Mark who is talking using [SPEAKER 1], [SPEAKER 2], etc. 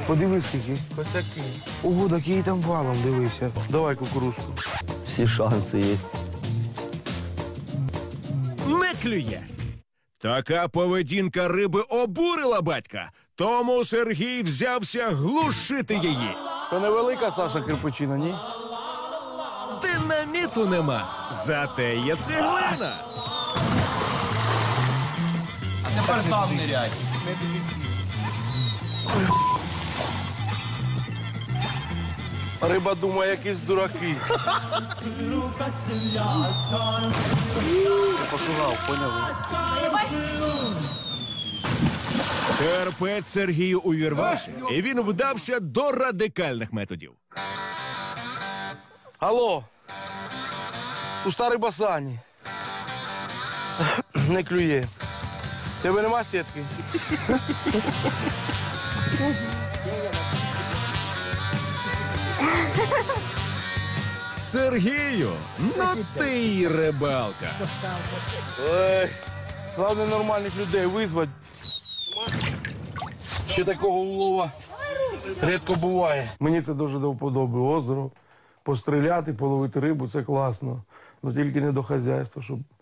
[SPEAKER 1] Подивись, скільки.
[SPEAKER 2] Косяки.
[SPEAKER 1] Ого, такий там валом, дивися. Давай кукурузку.
[SPEAKER 3] Всі шанси є.
[SPEAKER 4] Не клює. Така поведінка риби обурила батька, тому Сергій взявся глушити її.
[SPEAKER 1] То невелика, Саша, кирпичина, ні?
[SPEAKER 4] Динаміту нема, зате є цеглина.
[SPEAKER 2] А тепер сам ниряй.
[SPEAKER 1] Риба думає, якісь дураки. Пошугав, поняли?
[SPEAKER 4] Терпець Сергію увірвався, і він вдався до радикальних методів.
[SPEAKER 1] Алло, пуста риба Сані. Не клює. Тебе нема сітки?
[SPEAKER 4] Сергію, ну ти й рибалка.
[SPEAKER 1] Ой, головне нормальних людей визвати. Ще такого улова рідко буває. Мені це дуже до вподоби. Озеро, постріляти, половити рибу – це класно. Ну тільки не до хазяйства, щоб